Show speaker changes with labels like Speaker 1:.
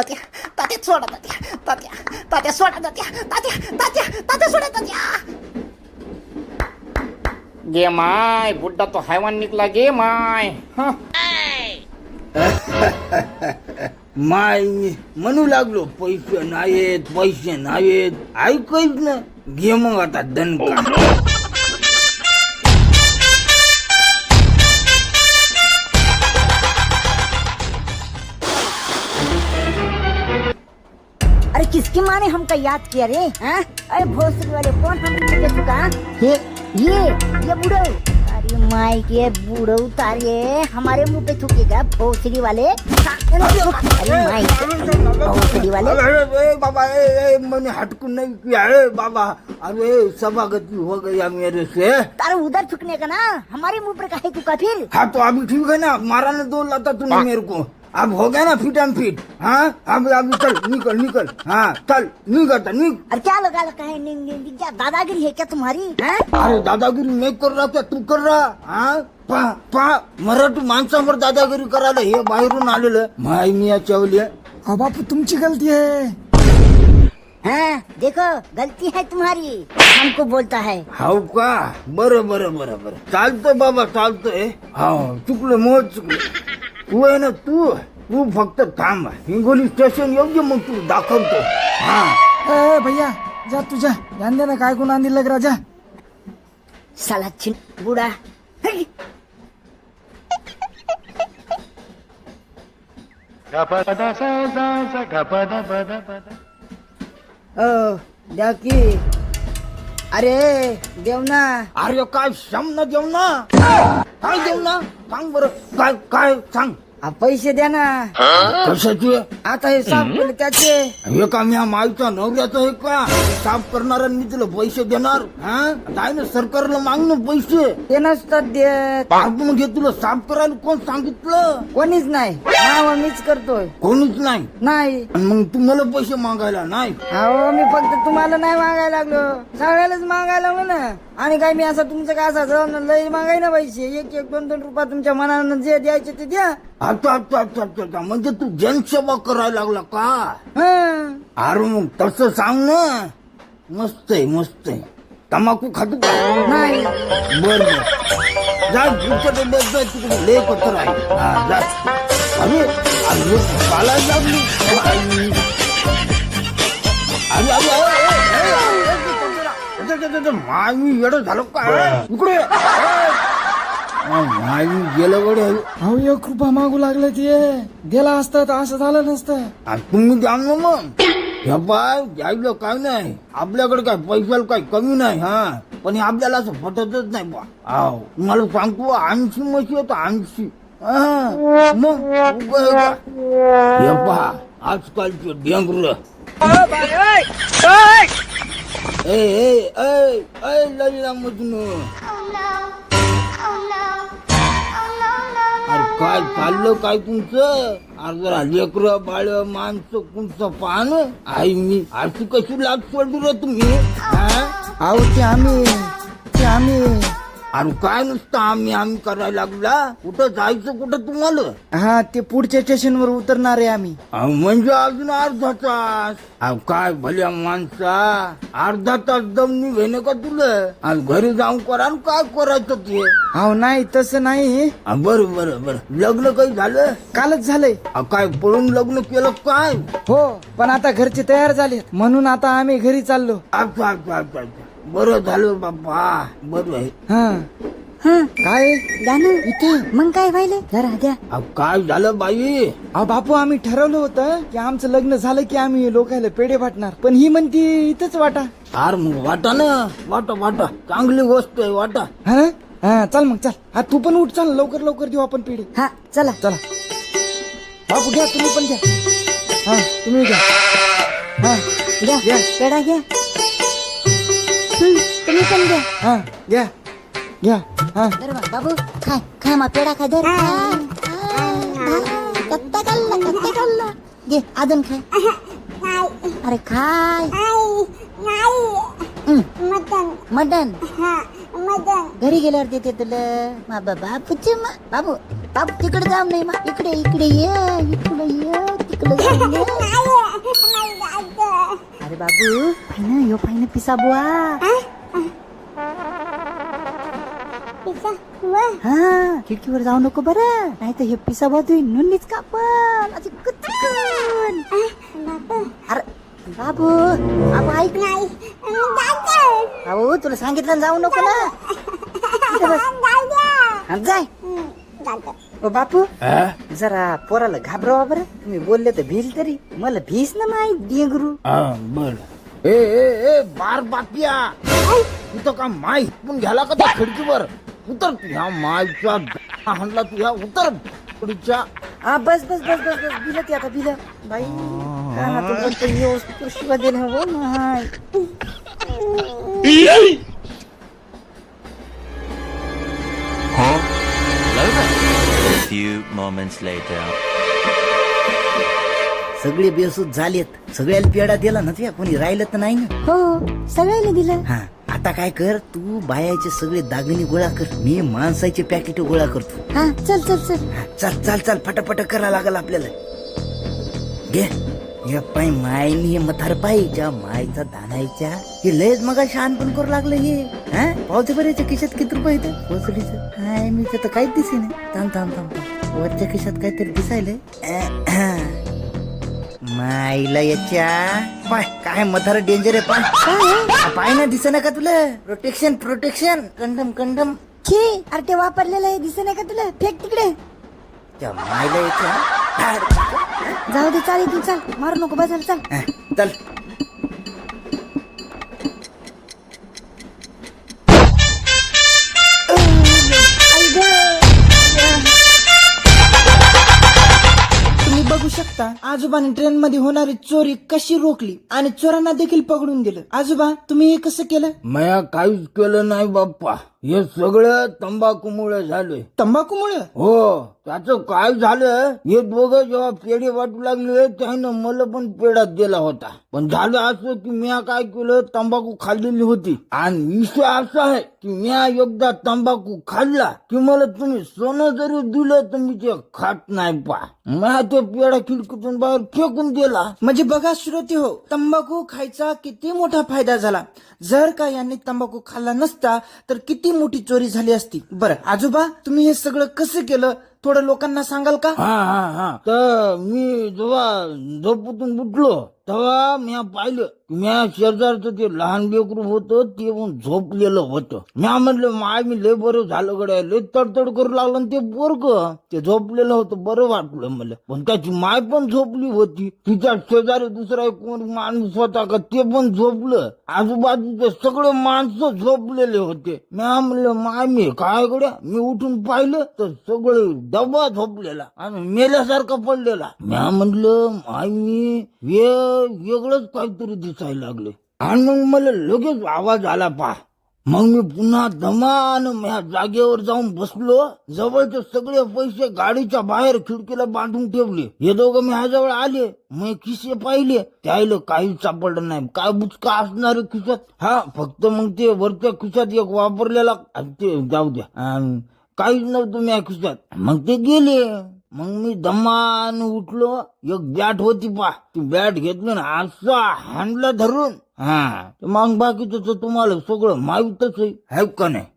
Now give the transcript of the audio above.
Speaker 1: तात्या तात्या सोडा तात्या तात्या तात्या सोडा तात्या तात्या तात्या तात्या सोडा तात्या.
Speaker 2: गे माय बुड्ढा तो हैवान निकला गे माय. हं.
Speaker 3: माय म्हणू लागलो पैसे नाहीत ऐकच ना. घे मग आता दणका.
Speaker 4: अरे किसकी माँ ने हमको याद किया रे? हाँ? अरे भोसड़ी वाले कौन हमने चुका? ये बुढ़ो. अरे माई के बुढ़ो तारे हमारे मुंह पे थूकेगा भोसड़ी वाले. अरे माई भोसड़ी वाले.
Speaker 3: अरे बाबा मैंने हटकून नहीं किया है बाबा. अरे सभागति हो गया मेरे से.
Speaker 4: तारे उधर थूकने का ना हमारे मुंह पर काहे थूका फिर?
Speaker 3: हाँ तो अभी ठीक है ना. मारा ने दो लाता तूने मेरे को. अब हो गया ना फिट एंड फिट. हाँ अभी चल निकल. हाँ चल निकल.
Speaker 4: अरे क्या लगा है क्या दादागिरी है क्या तुम्हारी?
Speaker 3: अरे दादागिरी मैं कर रहा क्या तू कर रहा? हाँ मराठी माणसांवर दादागिरी करायला हे बाहेरून आलेलं. माय मिया चवले.
Speaker 5: बापू तुमची गलती है.
Speaker 4: हाँ देखो गलती है तुम्हारी हमको बोलता है.
Speaker 3: हाव का बरं चालतंय बाबा चालतंय. हा चुकलं मोज चुकलं. तू आहे ना तू फक्त थांब. हिंगोली स्टेशन योग्य मग तू दाखवतो. हा
Speaker 5: ए भैया जा तुझा ध्यान दे ना काय कोण आंधी लग राजा.
Speaker 4: साला छिन बुढ़ा.
Speaker 3: द्या की. अरे देव ना. अरे काय शम ना देव ना. काय देव ना सांग बरं काय सांग.
Speaker 5: पैसे द्या ना.
Speaker 3: कशाचे?
Speaker 5: आता हे साफ केले त्याचे.
Speaker 3: हे का मी माईचा नवऱ्याचं आहे का? साफ करणार मी तुला पैसे देणार. हा ना सरकारला मागणं पैसे.
Speaker 5: ते नसतात देत.
Speaker 3: आपण घे तुला साफ करायला कोण सांगितलं?
Speaker 5: कोणीच नाही. नाव मीच करतोय.
Speaker 3: कोणीच नाही.
Speaker 5: नाही
Speaker 3: आणि मग तू मला पैसे मागायला नाही.
Speaker 5: अहो मी फक्त तुम्हाला नाही मागायला लागलो सगळ्यालाच मागायला म्हणा. आणि काय मी असं तुमचं काय असं लय मागाय ना पैसे. एक 2 रुपये तुमच्या मनानं जे द्यायचे ते द्या.
Speaker 3: अच्छा म्हणजे तू जनसेवा करायला लागला का?
Speaker 5: हं.
Speaker 3: अरे मग तसं सांग ना. मस्त आहे. तंबाखू खातो का?
Speaker 5: नाही.
Speaker 3: बर जा तुझ्या बस जा तिकडे लय पत्र आहे. हा जा. अरे पालायला लागली. माय मी येडं झालो का इकडे. माय मी गेलं गडे.
Speaker 5: अहो 1 रुपया मागू लागलं ते दिला असतं तर असं झालं नसतं.
Speaker 3: तुम्ही द्या ना मग. हे पाय द्यायला काय नाही. आपल्याकडे काय पैशाला काही कमी नाही. हा पण हे आपल्याला असं पटतच नाही बा. आहो मला सांगतो 80 म्हशी येतो 80. मग हे पहा आजकालचे डेंगर. ललिता मजनू. अरे काय चाललं काय तुमचं? अरे जरा लेकरं बाळ माणसं तुमचं पान. आई मी अशी कशी लाग सोडली रे तुम्ही?
Speaker 5: अहो ते आम्ही
Speaker 3: अरे काय नुसतं आम्ही करायला लागला. कुठं जायचं कुठं तुम्हाला?
Speaker 5: हा ते पुढच्या स्टेशनवर उतरणार आहे आम्ही.
Speaker 3: म्हणजे अजून अर्धा तास. काय भल्या माणसा अर्धा तास दम निघेन का तुला? घरी जाऊन करा काय करायचं ते.
Speaker 5: अहो नाही तसं नाही.
Speaker 3: बरं लग्न काही झालं?
Speaker 5: कालच झालंय.
Speaker 3: काय पळून लग्न केलं काय?
Speaker 5: हो पण आता घरचे तयार झालेत म्हणून आता आम्ही घरी चाललो.
Speaker 3: अच्छा बरं झालं बाबा. बरं आहे.
Speaker 5: काय
Speaker 4: गाणं इथे मग काय व्हायले जरा द्या.
Speaker 3: काय झालं बाई?
Speaker 5: अहो बापू आम्ही ठरवलं होतं की आमचं लग्न झालं की आम्ही लोकायला पेढे वाटणार. पण ही म्हणती इथंच वाटा.
Speaker 3: अरे मग वाटा ना. वाटा चांगली गोष्ट आहे. वाटा.
Speaker 5: हा चल मग चल. हा तू पण उठ. चल लवकर देऊ आपण पेढे.
Speaker 4: हा चला
Speaker 5: बापू घ्या तुम्ही पण घ्या. तुम्ही घ्या.
Speaker 4: घ्या पेढा घ्या. तुम्ही पण घ्या.
Speaker 5: घ्या.
Speaker 4: बाबू खाय मा पेढा खाय धर. कत्ता खाल्ला घे अजून खाय. अरे खाय. मटन घरी गेल्यावर देते तुला. बाबू तिकडे जाऊ नाही. इकडे ये. ऐकलं जाईल. अरे बाबू फाईन यो फाईन पिसा बुवा. हा खिडकीवर जाऊ नको बरं, नाही तर हे पिसा बुवा तुझी नोंदणीच कापल अशी कुचकन. अरे बाबू बाबू ऐक नाही. बाबू तुला सांगितलं ना जाऊ नको ना. इथं बस. हा, जाय. ओ बापू जरा पोराला घाबरवा बरं. तुम्ही बोलले तर भील तरी मला भीस ना माहित डेंगरू.
Speaker 3: हा बर. ए बार बापिया तू का माय पण घ्याला का त्या खिडकीवर उतर. ह्या मायच्या हाणला तू ह्या उतर पुढच्या.
Speaker 4: हा बस बस बस बस बस बिल ते आता बिल बाई शिवा दे ना हो माय.
Speaker 6: A few moments later.
Speaker 4: सगळे बेसूद झालेत. सगळ्याला पेढा दिला ना तुया, कोणी राहिलं तर नाही ना. हो सगळ्याला दिलं. हा आता काय कर, तू बायाचे सगळे दागिने गोळा कर, मी माणसाचे पॅकेट गोळा करतो. हा चल चल चल. चल चल चल फटाफट करा लागल आपल्याला. घे हे पाय मायनी हे मथार पायच्या मायचा धानायच्या हे लयच मग शहाणपण करू लागलं हे. हा पावते बरं याच्या खिशात किती रुपये येतं पोचडीचं. हाय मी तर काहीच दिसे नाही. थांब थांब थांब थांब वरच्या खिशात काहीतरी दिसायलंय. माईला याच्या पाय काय मथार डेंजर आहे. पाय पाय ना दिसे ना का तुला. Protection protection condom condom. अरे ते वापरलेलं आहे दिसे नाही का तुला. फेक तिकडे. त्या माईला याच्या जाऊ दे चालेल तू चल मारू नको बसायला चल चल.
Speaker 5: तुम्ही बघू शकता आजोबाने ट्रेन मध्ये होणारी चोरी कशी रोखली आणि चोरांना देखील पकडून दिलं. आजोबा तुम्ही हे कसं केलं.
Speaker 3: मया काहीच केलं नाही बाप्पा. हे सगळं तंबाखूमुळे झालंय.
Speaker 5: तंबाखूमुळे.
Speaker 3: हो त्याचं काय झालं, हे दोघं जेव्हा पेढे वाटू लागले त्यानं मला पण पेढा दिला होता. पण झालं असं की मी काय केलं, तंबाखू खाल्लेली होती आणि विषय असा आहे की मी एकदा तंबाखू खाल्ला की मला तुम्ही सोनं जरी दिलं तर मी ते खात नाही पा. मी तो पेढा खिडकीतून बाहेर फेकून दिला.
Speaker 5: म्हणजे बघा श्रोते हो, तंबाखू खायचा किती मोठा फायदा झाला. जर का यांनी तंबाखू खाल्ला नसता तर किती मोठी चोरी झाली असती. बरं आजोबा तुम्ही हे सगळं कसं केलं थोडं लोकांना सांगाल का.
Speaker 3: हा तर मी जेव्हा झोपूतून उठलो तेव्हा मी पाहिलं, मी शेजारचं ते लहान लेकरू होतं ते पण झोपलेलं होतं. मी म्हणलं माय मी लय बरं झालं गड्या, लय तडतड करू लागलं. ते पोरग ते झोपलेलं होतं, बरं वाटलं मला. पण त्याची माय पण झोपली होती. तिच्या शेजारी दुसरा कोण माणूस होता का ते पण झोपलं. आजूबाजूचे सगळे माणसं झोपलेले होते. मी म्हणलं माय मी काय गड्या, मी उठून पाहिलं तर सगळे डबा झोपलेला आणि मेल्यासारखा पडलेला. मी म्हणलं माय मी वेगळंच काहीतरी दिसायला लागले. आणि मग मला लगेच आवाज आला पा. मग मी पुन्हा दमान ह्या जागेवर जाऊन बसलो. जवळचे सगळे पैसे गाडीच्या बाहेर खिडकीला बांधून ठेवले. हे दोघं मी ह्याजवळ आले, मी खिसे पाहिले, त्याला काही सापडलं नाही. काय बुचका असणार खिशात. हा फक्त मग ते वरच्या खिशात एक वापरलेला ते जाऊ द्या काहीच नव्हतं मी खिशात. मग ते गेले. मग मी दमान उठलो. एक बॅट होती पा, ती बॅट घेतली ना असा हाणला धरून. हा मग बाकीचं तुम्हाला सगळं माहीतच आहे का नाही.